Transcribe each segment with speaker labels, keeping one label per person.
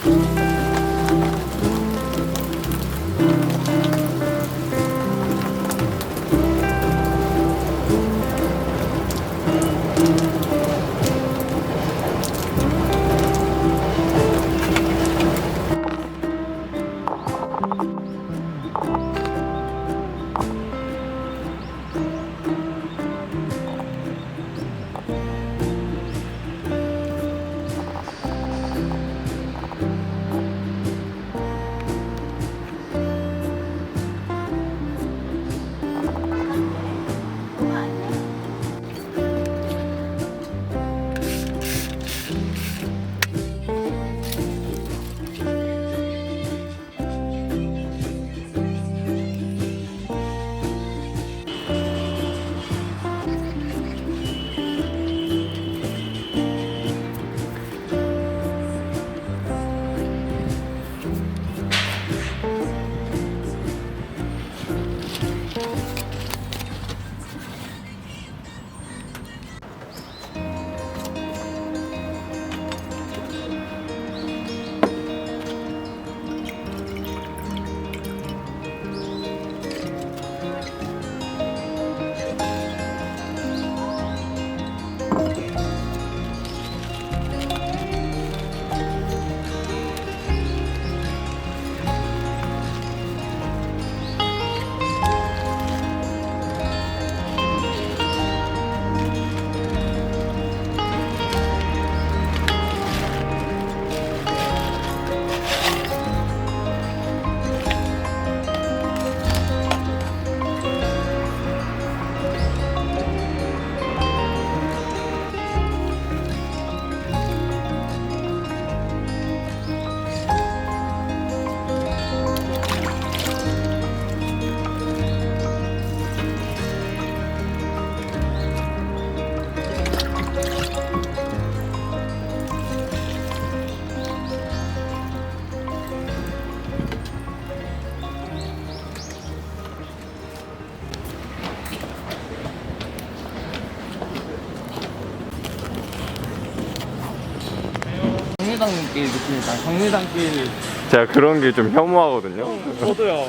Speaker 1: 정류장길 느낌이다. 정류장길.
Speaker 2: 제가 그런 게 좀 혐오하거든요.
Speaker 1: 저도요.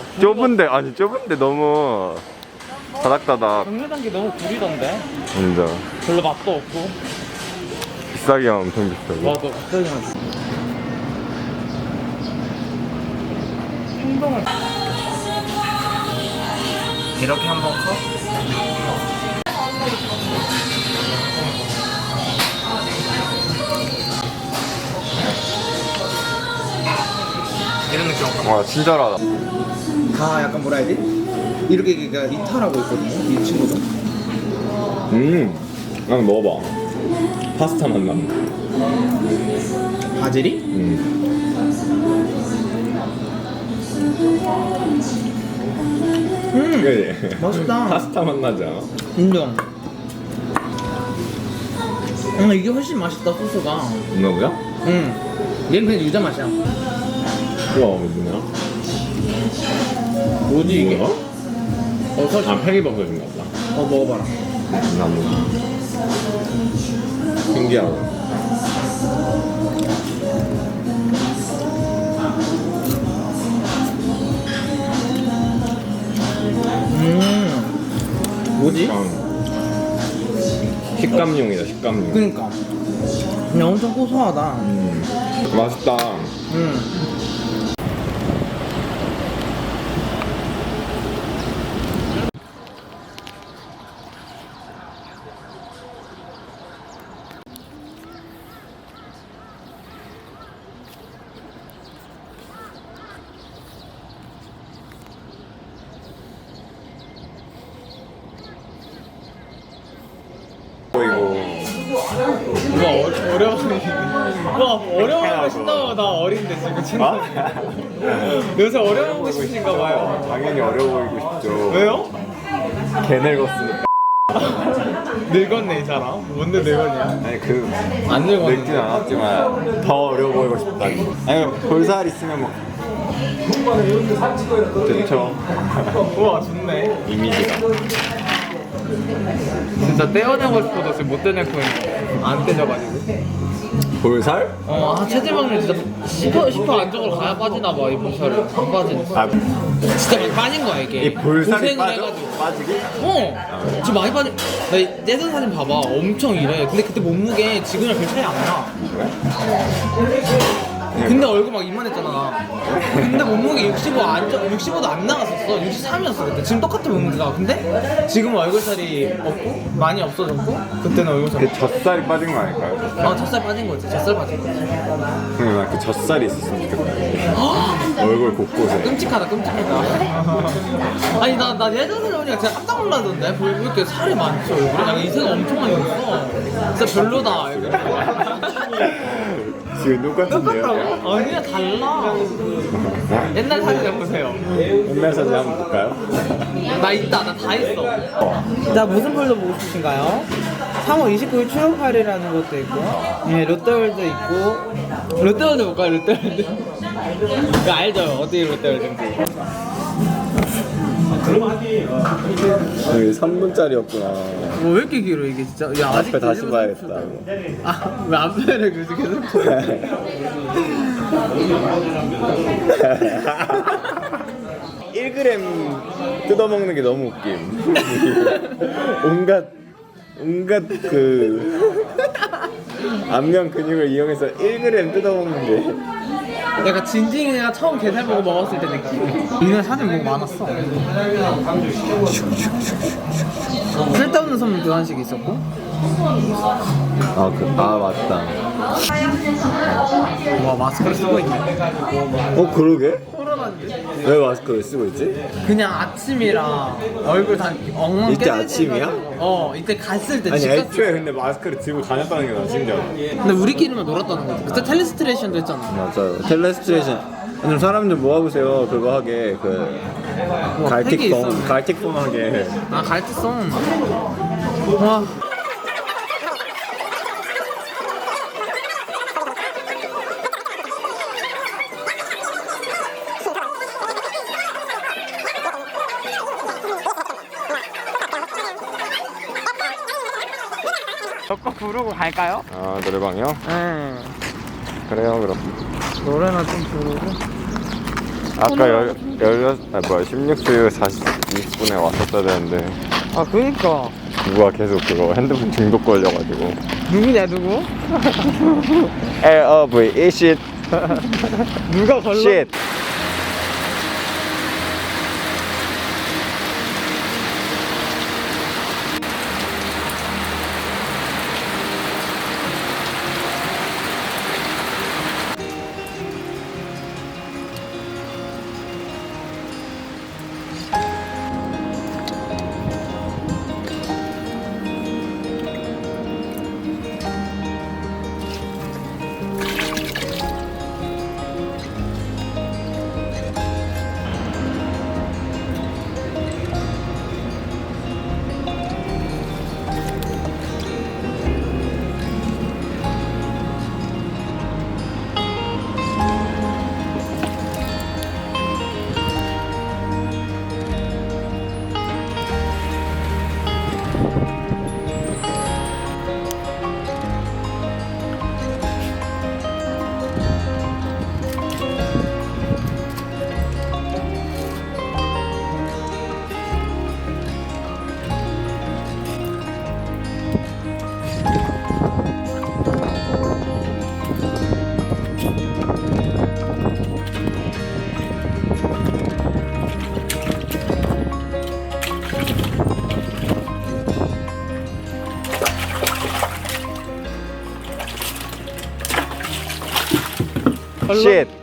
Speaker 2: 좁은데 너무 다닥다닥.
Speaker 1: 정류장길 너무 구리던데.
Speaker 2: 진짜
Speaker 1: 별로 맛도 없고.
Speaker 2: 비싸기만 엄청 비싸고.
Speaker 1: 맞아. 갑자기 하지. 행동을 이렇게 한번 커? 이런 느낌.
Speaker 2: 와 친절하다.
Speaker 3: 다 약간 뭐라 해야 돼? 이렇게 이탈하고 있거든요, 이 친구도.
Speaker 2: 한번 먹어봐. 파스타 맛 나.
Speaker 3: 바질이?
Speaker 2: 그래.
Speaker 3: 맛있다.
Speaker 2: 파스타 맛 나지 않아?
Speaker 3: 인정. 이게 훨씬 맛있다, 소스가.
Speaker 2: 누구야?
Speaker 3: 얘는 그냥 유자 맛이야.
Speaker 2: 우와 뭐냐?
Speaker 3: 뭐지 이게?
Speaker 2: 뭐야? 아 팽이버섯인 것 같다.
Speaker 3: 먹어봐라.
Speaker 2: 나 먹어. 신기하다.
Speaker 3: 뭐지?
Speaker 2: 식감용이다 식감용.
Speaker 3: 그니까 그냥 엄청 고소하다.
Speaker 2: 맛있다.
Speaker 1: 어려운 거 신다고 나 어린데 지금 친구. 요새 어려운 거 싶으신가 봐요.
Speaker 2: 당연히 어려워 보이고 싶죠.
Speaker 1: 왜요?
Speaker 2: 개 늙었으니까.
Speaker 1: 늙었네 이 사람. 뭔데 늙었냐?
Speaker 2: 아니
Speaker 1: 안 늙었는데.
Speaker 2: 늙진 않았지만 더 어려워 보이고 싶다니. 아니 볼살 있으면 뭐 좋죠.
Speaker 1: 우와 좋네.
Speaker 2: 이미지가.
Speaker 1: 진짜 떼어내고 싶어도 지금 못 떼내고 있는데 안 떼져가지고.
Speaker 2: 볼살?
Speaker 1: 체지방률 진짜 10% 안쪽으로 가야 빠지나 봐이 볼살이. 안 빠지네.
Speaker 2: 아,
Speaker 1: 진짜 많이 빠진 거야 이게.
Speaker 2: 이 볼살이
Speaker 1: 고생을
Speaker 2: 빠져?
Speaker 1: 해가지고.
Speaker 2: 빠지기?
Speaker 1: 지금 많이 빠진. 나 예전 사진 봐봐. 엄청 이래. 근데 그때 몸무게 지금이랑 별 차이 안 나. 근데 얼굴 막 이만했잖아. 근데 몸무게 65도 안 나갔었어. 63이었어 그때. 지금 똑같은 몸무게가. 근데 지금 얼굴살이 없고 많이 없어졌고 그때는 얼굴살이.
Speaker 2: 그 젖살이 빠진 거 아닐까요?
Speaker 1: 젖살 빠진 거지. 젖살 빠진 거지.
Speaker 2: 그냥 그 젖살이 있었으면 좋겠다. 얼굴 곳곳에.
Speaker 1: 끔찍하다. 아니 나 예전에 보니까 진짜 깜짝 놀라던데. 왜 이렇게 살이 많지 얼굴에? 약간 이색 엄청 많이 있어. 진짜 별로다.
Speaker 2: 지금 똑같은데요?
Speaker 1: 아니야 달라. 옛날 사진 좀 보세요.
Speaker 2: 옛날 사진 한번 볼까요?
Speaker 1: 나 있다. 나 다 있어. 자 무슨 폴더 보고 싶으신가요? 3월 29일 추억팔이라는 것도 있고, 예, 롯데월드 있고. 롯데월드 볼까요? 롯데월드. 이거 알죠? 어디 롯데월드인지.
Speaker 2: 여기 3분짜리였구나.
Speaker 1: 왜 이렇게 길어 이게 진짜? 야 아직
Speaker 2: 앞에 다시 봐야겠다.
Speaker 1: 왜 앞에를 계속
Speaker 2: 1g 뜯어먹는 게 너무 웃김. 온갖 그 안면 근육을 이용해서 1g 뜯어먹는 게.
Speaker 1: 약간 진징이가 처음 게살 보고 먹었을 때 느낌. 이날 사진 보고 많았어. 쓸데없는 선물 교환식 있었고.
Speaker 2: 맞다.
Speaker 1: 와 마스크를 쓰고 있네.
Speaker 2: 그러게?
Speaker 1: 코로나인데.
Speaker 2: 왜 마스크를 쓰고 있지?
Speaker 1: 그냥 아침이라 얼굴 다 엉망
Speaker 2: 이때 아침이야?
Speaker 1: 이때 갔을 때
Speaker 2: 아니
Speaker 1: 집 갔을
Speaker 2: 애초에 근데 마스크를 들고 다녔다는 게 나 신기하다.
Speaker 1: 근데 우리끼리만 놀았다는 거지. 그때 텔레스트레이션도 했잖아.
Speaker 2: 맞아요. 텔레스트레이션. 좀 사람 좀 모아보세요. 그거 하게
Speaker 1: 팩이 있어.
Speaker 2: 갈틱폼 하게.
Speaker 1: 갈치송. 와. 저거 부르고 갈까요?
Speaker 2: 노래방이요?
Speaker 1: 네.
Speaker 2: 그래요 그럼.
Speaker 1: 노래나 좀 부르고.
Speaker 2: 아까 16주 20분에 왔었어야 되는데
Speaker 1: 그니까.
Speaker 2: 누가 계속 그거 핸드폰 중독 걸려가지고.
Speaker 1: 누구냐 누구?
Speaker 2: LOV 이쉿
Speaker 1: 누가 걸러?
Speaker 2: 쉿. 쉿.